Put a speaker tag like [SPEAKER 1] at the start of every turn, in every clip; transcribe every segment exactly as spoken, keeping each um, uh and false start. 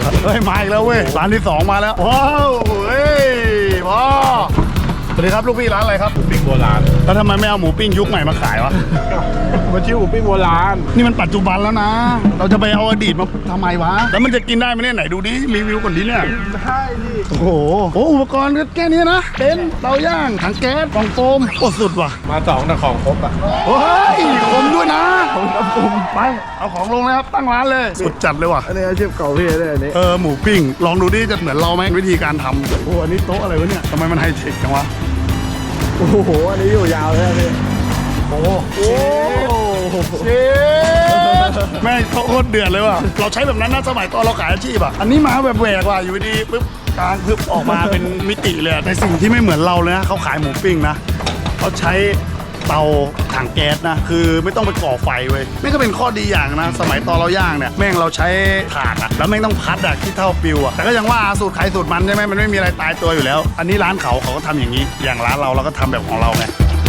[SPEAKER 1] เฮ้ยมาอีกแล้วเว้ยร้านที่สองมาแล้วว้าวเฮ้ยพ่อสวัสดีครับลูกพี่ร้านอะไรครับ
[SPEAKER 2] ปิ้งโบราณ
[SPEAKER 1] แล้วทำไมไม่เอาหมูปิ้งยุคใหม่มาขายวะ
[SPEAKER 2] มันชื่อหมูปิ้งโบราณ
[SPEAKER 1] นี่มันปัจจุบันแล้วนะ เราจะไปเอาอดีตมาทำไมวะแล้วมันจะกินได้ไหมเนี่ยไหนดูดิรีวิวก่อนดิเนี่ย
[SPEAKER 2] ใช่ดิ
[SPEAKER 1] โอ้โหโอ้อุปกรณ์ก็แค่นี้นะเต็นท์เตาย่างถังแก๊สกล่องโฟมโคตรสุดว่ะ
[SPEAKER 2] มาสองแต่ของครบอ่ะ
[SPEAKER 1] โอ้ยคมด้วยนะผมครับผมไปเอาของลงเลยครับตั้งร้านเลยสุดจัดเลยว่ะ
[SPEAKER 2] อันนี้อาชีพเก่าพี่เลยอันนี้
[SPEAKER 1] เออหมูปิ้งลองดูดิจะเหมือนเราไหมวิธีการทำโอ้อันนี้โต๊ะอะไรวะเนี่ยทำไมมันไฮเทคจังวะ
[SPEAKER 2] โอ้โหอันนี้อยู่ยาวเลยพี่
[SPEAKER 1] โอ้โหเชฟแม่งโคตรเดือดเลยว่ะเราใช้แบบนั้นนะสมัยตอนเราขายอาชีพอ่ะอันนี้มาแบบแหวกว่ะอยู่ดีปุ๊บกลางพึบออกมาเป็นมิติเลยในสิ่งที่ไม่เหมือนเราเลยนะเขาขายหมูปิ้งนะเขาใช้เตาถังแก๊สนะคือไม่ต้องไปก่อไฟเว้ยนี่ก็เป็นข้อดีอย่างนะสมัยตอนเราย่างเนี่ยแม่งเราใช้ถ่านอะแล้วแม่งต้องพัดอะที่เท่าปิวอะแต่ก็ยังว่าสูตรใครสูตรมันใช่ไหมมันไม่มีอะไรตายตัวอยู่แล้ว อันนี้ร้านเขาเขาก็ทำอย่างนี้ อย่างร้านเราเราก็ทำแบบของเราไง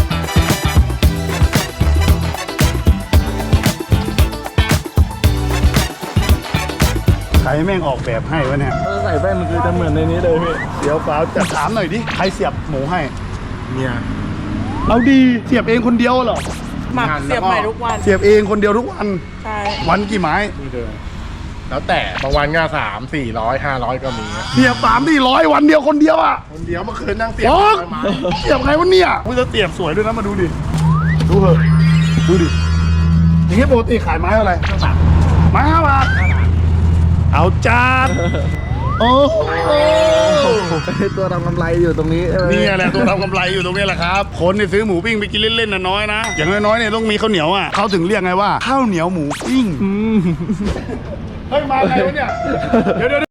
[SPEAKER 1] ใครแม่งออกแบบให้วะเนี่ย
[SPEAKER 2] ใส่แป้นมันคือจะเหมือนในนี้เลยพี่
[SPEAKER 1] เดี๋ยวฟ้าจะถามหน่อยดิใครเสียบหมูให้
[SPEAKER 2] เนี่ย
[SPEAKER 1] เอาดีเสียบเองคนเดียวเหรอ
[SPEAKER 3] หมักเสียบใหม่ทุกวัน
[SPEAKER 1] เสียบเองคนเดียวทุกวัน
[SPEAKER 3] ใช่
[SPEAKER 1] วันกี่ไม้
[SPEAKER 2] นี่เดิมแล้วแต่บางวันก็สามสี่ร้อยห้าร้อยก็มี
[SPEAKER 1] เสียบสามที่ร้อยวันเดียวคนเดียวอ่ะ
[SPEAKER 2] คนเดียวเมื่อคืนนั่งเสียบ
[SPEAKER 1] โอ๊ย
[SPEAKER 2] ไม้
[SPEAKER 1] เสียบไงวะเนี่ยมึงจะเสียบสวยด้วยนะมาดูดิ ดูเหอะดูดิ อย่างนี้ปกติขายไม้เท่าไหร่ไม้ห้าบาท เอาจานโอ้โห
[SPEAKER 2] ตัวทำกำไรอยู่ตรงนี้
[SPEAKER 1] นี่แหละตัวทำกำไรอยู่ตรงนี้แหละครับ คนเนี่ยซื้อหมูปิ้งไปกินเล่นๆน่ะน้อยนะ อย่างน้อยๆเนี่ยต้องมีข้าวเหนียวอ่ะเขาถึงเรียกไงว่าข้าวเหนียวหมูปิ้ง เฮ้ยมาไงวะเนี่ย เดี๋ยวเดี๋ยว